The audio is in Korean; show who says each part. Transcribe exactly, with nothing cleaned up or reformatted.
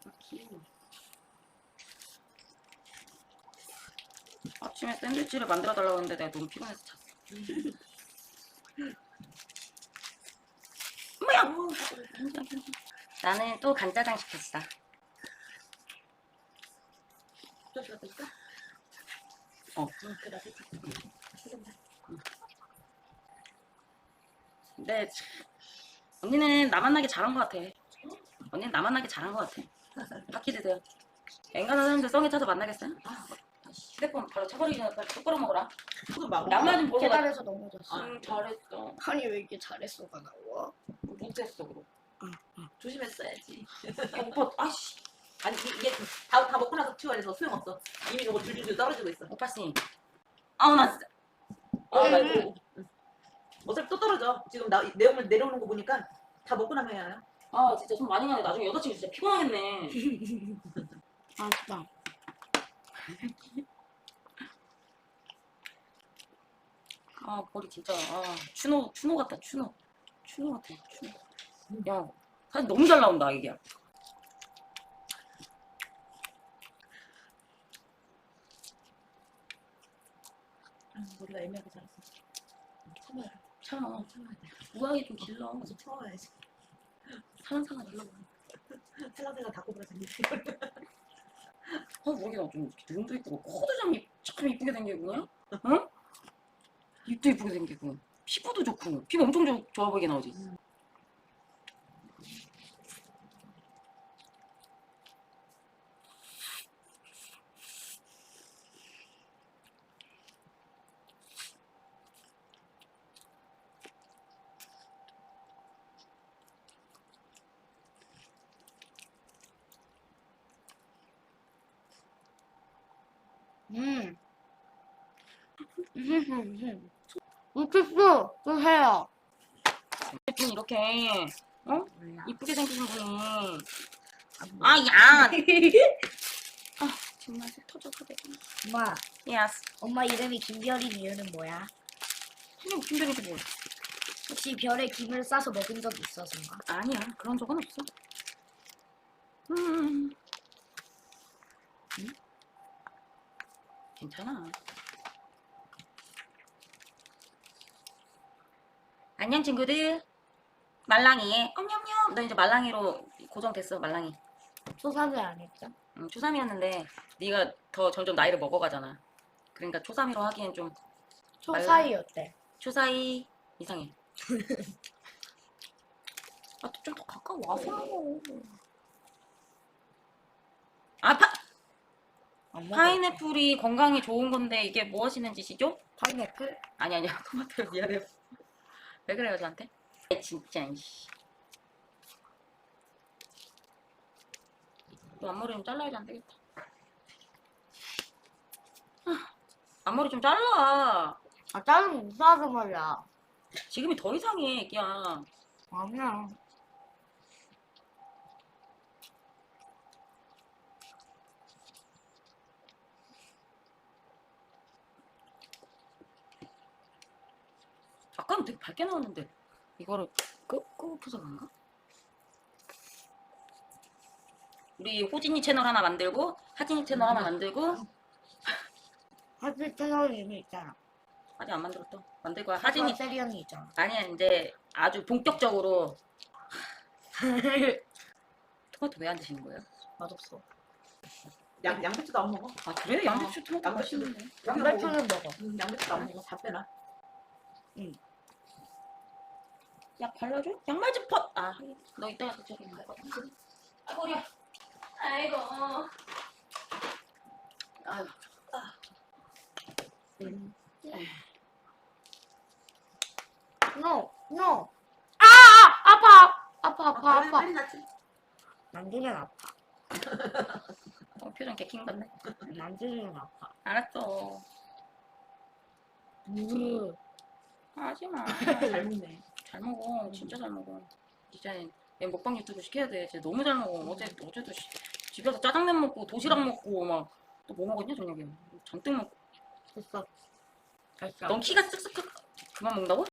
Speaker 1: 아침에 샌드위치를 만들어 달라고 했는데 내가 너무 피곤해서 잤어. 뭐야? 나는 또 간짜장 시켰어. 어. 근데 언니는 나 만나기 잘한 것 같아. 언니는 나 만나기 잘한 것 같아. 바퀴 드세요. 앵간한 사람들 성에 차서 만나겠어요? 휴대폰 바로 쳐버리기 전에 빨리 똑바로 먹어라. 양말 좀 보러 가.
Speaker 2: 계단에서 넘어졌어.
Speaker 1: 응, 잘했어.
Speaker 2: 아니 왜 이렇게 잘했어가 나와?
Speaker 1: 못했어 그럼.
Speaker 2: 응, 응.
Speaker 3: 조심했어야지.
Speaker 1: 야, 오빠, 아씨.
Speaker 3: 아니 이- 이게 다, 다 먹고 나서 치워야 돼서 소용없어. 이미 이거 줄줄줄 떨어지고 있어.
Speaker 1: 오빠 씨. 아우 나 진짜.
Speaker 3: 아, 나 이거 응. 어차피 또 떨어져. 지금 나 내용을 내려오는 거 보니까 다 먹고 나면 해요.
Speaker 1: 아 진짜 좀 많이 가네. 나중에 여자친구 진짜 피곤하겠네.
Speaker 2: 아 진짜.
Speaker 1: 아 머리 진짜. 아 추노 추노 같다 추노. 추노 같아 추노. 야 사진 너무 잘 나온다 이게.
Speaker 3: 아, 머리가 애매하게 자랐어. 참아요.
Speaker 1: 참
Speaker 3: 참아야 돼.
Speaker 1: 우아하게 좀 길러.
Speaker 3: 좀 참아야지.
Speaker 1: 살랑살랑 길러.
Speaker 3: 살랑살랑 닭고기가 생기지.
Speaker 1: 어 머리가 좀 이렇게 눈도 이쁘고 코도 좀, 이- 참 이쁘게 생기고. 응? 입도 이쁘게 생기고 피부도 좋고 피부 엄청 좋, 좋아 보이게 나오지.
Speaker 3: 음.
Speaker 2: 음. 못했어. 또 해요.
Speaker 1: 분 이렇게 어?
Speaker 2: 몰라.
Speaker 1: 이쁘게 생기신 분이
Speaker 2: 아,
Speaker 1: 아야 아 정말 속 터져 그래.
Speaker 2: 엄마,
Speaker 1: 예스.
Speaker 2: 엄마 이름이 김별인 이유는 뭐야?
Speaker 1: 선생님 김별이지 뭐.
Speaker 2: 혹시 별에 김을 싸서 먹은 적 있어서인가?
Speaker 1: 아니야 그런 적은 없어. 음. 응? 괜찮아. 안녕 친구들. 말랑이. 엄냠냠. 너 이제 말랑이로 고정됐어 말랑이.
Speaker 2: 초삼이 아니죠?
Speaker 1: 응, 초삼이었는데 네가 더 점점 나이를 먹어가잖아. 그러니까 초삼이로 하기엔 좀
Speaker 2: 초사이였대.
Speaker 1: 초사이 이상해. 아, 좀 더 가까워 와서. 아, 파,
Speaker 2: 안 먹어.
Speaker 1: 파인애플이 건강에 좋은 건데 이게 뭐 하시는 짓이죠?
Speaker 2: 파인애플?
Speaker 1: 아니 아니야 토마토 미안해요. 왜 그래요 저한테? 아이, 진짜 이씨. 너 앞머리 좀 잘라야지 안 되겠다. 아, 앞머리 좀 잘라.
Speaker 2: 아, 자르면 이상하단 말이야.
Speaker 1: 지금이 더 이상해 애기야.
Speaker 2: 아니야.
Speaker 1: 아까는 되게 밝게 나왔는데 이거를 끄, 끄고서 그런가? 우리 호진이 채널 하나 만들고 하진이 채널 하나 만들고
Speaker 2: 하진 채널이 이미 있잖아.
Speaker 1: 아직 안 만들었어. 만들 거야. 하진이
Speaker 2: 세리 형이 있잖아.
Speaker 1: 아니야 이제 아주 본격적으로. 토마토 왜 안 드시는 거예요?
Speaker 2: 맛없어.
Speaker 3: 양 양배추도 안 먹어.
Speaker 1: 아 그래? 양배추 토마토
Speaker 3: 양배추도.
Speaker 1: 맛있는데.
Speaker 2: 양배추는 먹어.
Speaker 3: 응, 양배추도 안 먹어. 다 빼놔.
Speaker 1: 약 발라줘? 양말 좀 벗. 아, 하긴. 너 이따가 저기 갈 거야. 아, 머리야. 아이고. 아유. 아.
Speaker 2: 음. No, no. 아, 아, 아파, 아파, 아파, 아파.
Speaker 3: 빨리 낫지.
Speaker 2: 만지면 아파.
Speaker 1: 어, 표정 개킹 같네.
Speaker 2: 만지면 아파.
Speaker 1: 알았어.
Speaker 2: 으.
Speaker 1: 하지 마.
Speaker 3: 잘 먹네.
Speaker 1: 잘 먹어. 진짜 잘 먹어. 이제 얘 먹방 유튜브 시켜야 돼. 진짜 너무 잘 먹어. 어제 어제도 시, 집에서 짜장면 먹고 도시락 먹고 막 또 뭐 먹었냐 저녁에. 잔뜩 먹고.
Speaker 2: 됐어. 됐어.
Speaker 1: 넌 키가 쓱쓱 그만 먹는다고?